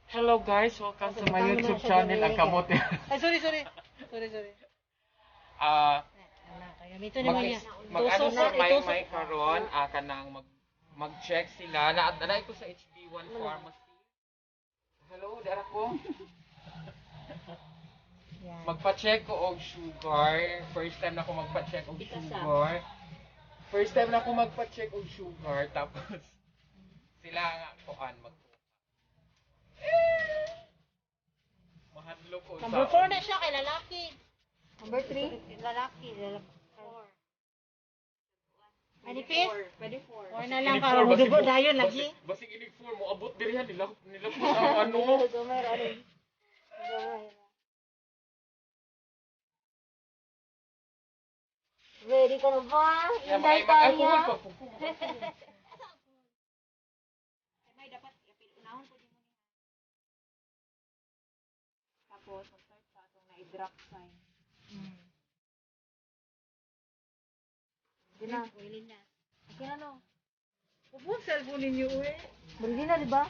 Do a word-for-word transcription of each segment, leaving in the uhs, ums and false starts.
Hello guys, welcome to my YouTube channel, Ang Kamote. Ay, sorry, sorry. Sorry, sorry. Ah, Kaya ito naman mag niya. mag ano Tusok sa na, may itusok. may karon, ah, kanang mag mag-check sila. Naadalay ko sa H B one Pharmacy. Hello, dara ko. Yan. Magpa-check ko og sugar. First time na ako magpa-check og sugar. First time na ako magpa-check og sugar, tapos sila nga kuan mag mahadlo ko Number four na siya kay lalaki. Number three? Lalaki. Lalaki. Manipis? Pwede four. Or na lang para mo dugo dayon lagi. Basig ini four mo abot diri han nila nila ko ang ano. Gomer, ano? Gomer. Ready ka na ba? Ya Hintay may tayo mag niya. alcohol pa. May dapat i-apil unahon po din mo niya. Tapos, mag-start sa itong na-drop sign. Hmm. Hindi na. Willing na. Okay na no. Upo cellphone ninyo eh. Ready na, di ba?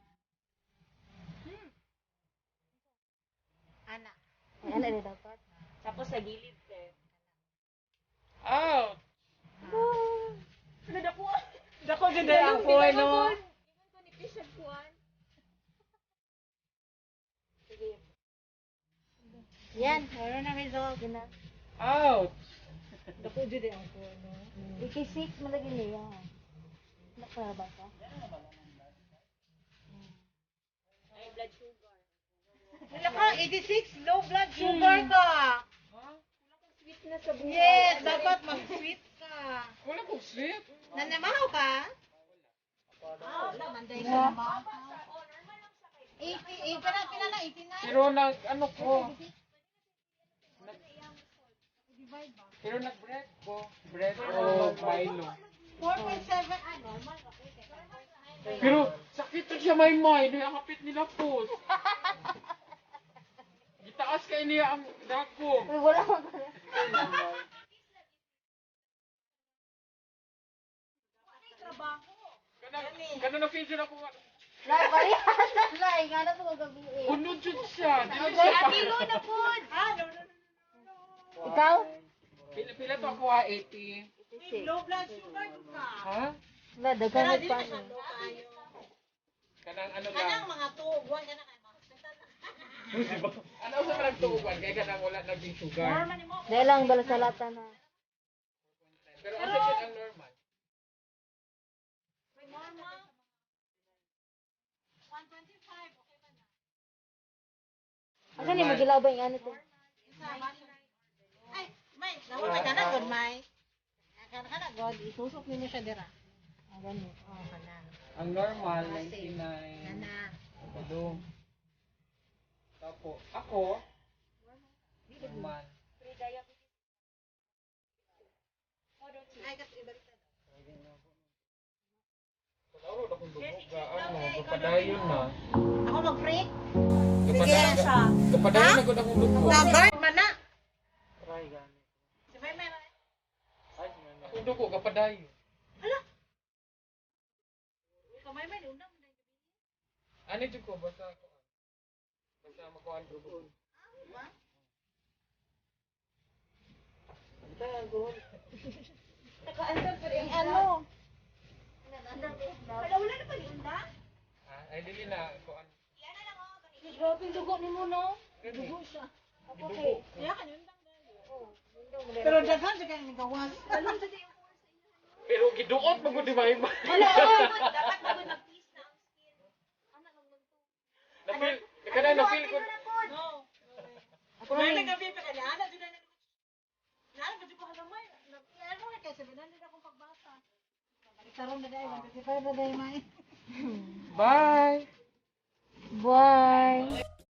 Ana. Ay, ano na dapat? Tapos sa gilid sir. Out. Dako. Dako jud ay ang phone no. Ingon ko ni Pisag kuan. Yan, meron na result. Sige na. Out. Dako jud ay ang phone no. eighty-six malagi niya. Nakara ba ka? High blood sugar. Wala ka, eighty-six, low blood sugar ka. Sweet na sa buhay. Yes, dapat mag-sweet ka. Wala ko sweet. Nanamahaw ka? Ah, manday ka naman. eighty, eh, pala, pila na, eighty-nine? Pero nag ano ko. Nag- Pero nag-bread ko. Bread o Milo. four point seven, ah, normal. Okay. Pero sakit to siya may may. Nakapit nila po. Gitaas kay niya ang dagom. Uy, wala ko ka. Kanang kanang na feel siya ako. Lai, parehas na lai. Nga na ito gabi eh. Unod jud siya. Di man siya. Kilo na po. Ah, no, no, no. Ikaw? Pila pila to ako ha, eighty. eighty-six. Low blood sugar ka. Ha? Wala, daghan Pero mo di pa na siya niya. low kayo. Kanang ano Kanang lang. mga tubuan ka na kayo. Ano sa parang tuuban kaya kanang wala naging sugar. Normal ni mo. Dahil lang bala sa lata na. Pero asa siya ang normal. Normal. one twenty-five, okay ba na? Asa ni magilaw ba yung ano to? Ay, may, nahulay ka na, God, may. Kana ka na, God, isusok ninyo siya dira. Ah, ganun. Oh, kana. Ang normal ninety-nine. Kana. Ano? Tapo. Ako normal. Ay, kasi ibalik na. Laro na kung dumuga ano, kapadayon na. Ako mag-freak? Kapadayon siya. Kapadayon na ko na kung dugo. Na-bird man na. Try gani. Si May May. Ay, akong dugo kapadayon. Ikaw May May, una mo na. Ano jud ko basta ako. Basta makuha ang dugo. Naka-andar pa rin. Ano? Wala, wala na pa ni Unda? Ah, ay dili na ko ano. Grabe yung dugo ni mo, no? Dugo siya. Ako Dugo. kay. Kaya ka Undang dahil. Oh, Pero daghan siya kaya nagawas. Alam sa di Pero giduot mo gud di ba? Wala, dapat magod mag-peace na ang skin. Na feel, kana na feel ko. No. Ako May rin. may gabi pa kanya, ana dyan na Naan ba ko halamay? Ano na kasi binan din akong pagbasa. Ikaroon na dahil, one twenty-five na dahil may. Bye. Bye.